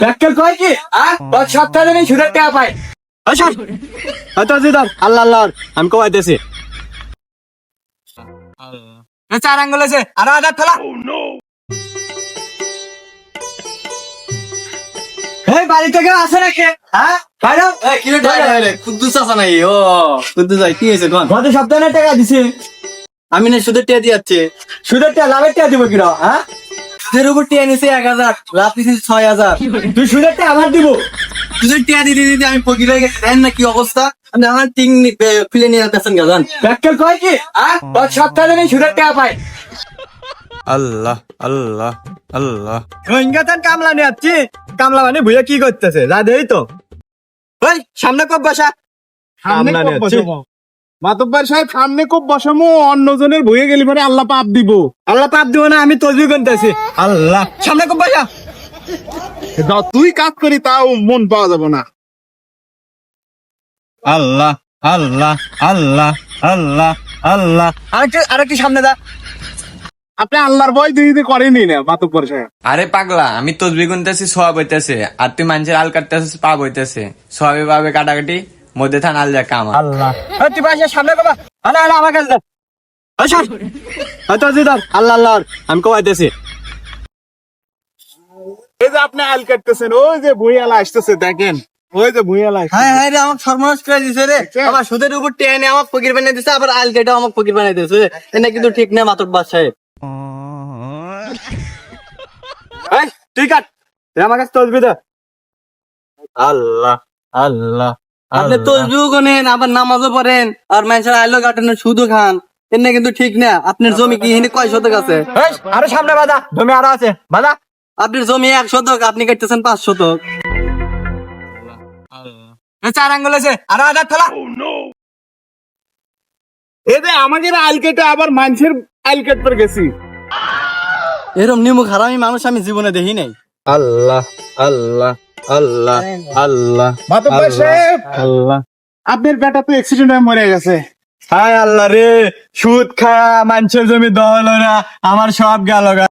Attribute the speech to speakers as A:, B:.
A: ব্যাককেল কয় কি তোর সপ্তাহে নেই সুদের টাকা পাই হয়তো দিদার আল্লাহ আল্লাহ আমি কমাইতেছি চার আঙ্গুল আছে আরো হাজার ফেলা এই বাড়ি থেকে আসে নাকি হ্যাঁ বাইরে
B: কুদ্দুস আসা নাই ও কুদ্দুস ভাই কি হয়েছে কোন
A: গত সপ্তাহে টাকা দিছি
B: আমি না সুদের টিয়া দিয়াচ্ছে
A: সুদের টাকা লাভের টাকা দিব কিনা হ্যাঁ
B: সুদের উপর টিয়া নিছে 1000 লাভ দিছি 6000
A: তুই সুদের টাকা আমার দিব
B: সুদের টিয়া দিতে দিতে আমি ফকির হয়ে গেছি জানেন না কি অবস্থা আমি আমার টিং খুলে নিয়ে আসতেছেন গাজান
A: ব্যাককেল কয় কি তোর সপ্তাহে নেই সুদের টাকা পাই
C: আল্লাহ আল্লাহ আল্লাহ
A: রোহিঙ্গাতান কামলা নিয়ে যাচ্ছি কামলা মানে ভুইয়া কি করতেছে যা দেই তো ওই সামনে কব বসা
D: সামনে
A: কামলা
D: খুব
A: নিয়ে যাচ্ছি।
D: বসাবো মাতব্বর সাহেব সামনে খুব বসামো অন্যজনের বইয়ে গেলি পরে আল্লাহ পাপ দিব
A: আল্লাহ পাপ দিব না আমি তসবি করতেছি আল্লাহ সামনে কব বসা
D: তুই কাজ করি তাও মন পাওয়া যাবে না
A: আল্লাহ আল্লাহ আল্লাহ আল্লাহ আল্লাহ আরেকটু সামনে দা
D: আপনি আল্লাহর ভয় দিদি করেনি না মাতব্বর সাহেব
C: আরে পাগলা আমি তসবি গুনতেছি সব হইতেছে আর তুই মানুষের আল কাটতেছিস পাপ হইতেছে সবে পাবে কাটাকাটি মধ্যে থান আল যা কামা
A: আল্লাহ তুই বাসা সামনে কবা আরে আরে আমার কাছে হয়তো দিদার আল্লাহ আল্লাহ আমি কমাইতেছি
D: এই যে আপনি আল কাটতেছেন ওই যে ভুইয়ালা আসতেছে দেখেন ওই যে ভুইয়ালা
B: হ্যাঁ হ্যাঁ রে আমাকে সর্বনাশ করে দিছে রে আবার সুদের উপর টিয়া নিয়ে আমাকে ফকির বানিয়ে দিছে আবার আল কেটে আমাকে ফকির বানিয়ে দিছে এটা কিন্তু ঠিক না মাতব্বর সাহেব
A: এই তুই কাট তুই আমার কাছে তসবি দে আল্লাহ আল্লাহ
B: আপনি তসবিও করেন আবার নামাজও পড়েন আর মানুষের আইলো কাটানোর সুদও খান এটা কিন্তু ঠিক না আপনার জমি কি হিনে কয় শতক আছে
A: এই আরো সামনে বাধা জমি আরো আছে বাধা
B: আপনার জমি 1 শতক আপনি কাটতেছেন 5 শতক
A: চার আঙ্গুল আছে আরো হাজার ফেলা
D: এই যে আমাদের আল কেটে আবার মানুষের আল কাটতে গেছি
B: এরকম নিমুখ হারামি মানুষ আমি জীবনে দেখি নাই
A: আল্লাহ আল্লাহ আল্লাহ আল্লাহ
D: মাতব্বর সাহেব
A: আল্লাহ
D: আপনার বেটা তো অ্যাক্সিডেন্ট হয়ে মরে গেছে
A: হায় আল্লাহ রে সুদ খায়া মানুষের জমি দহল না আমার সব গেল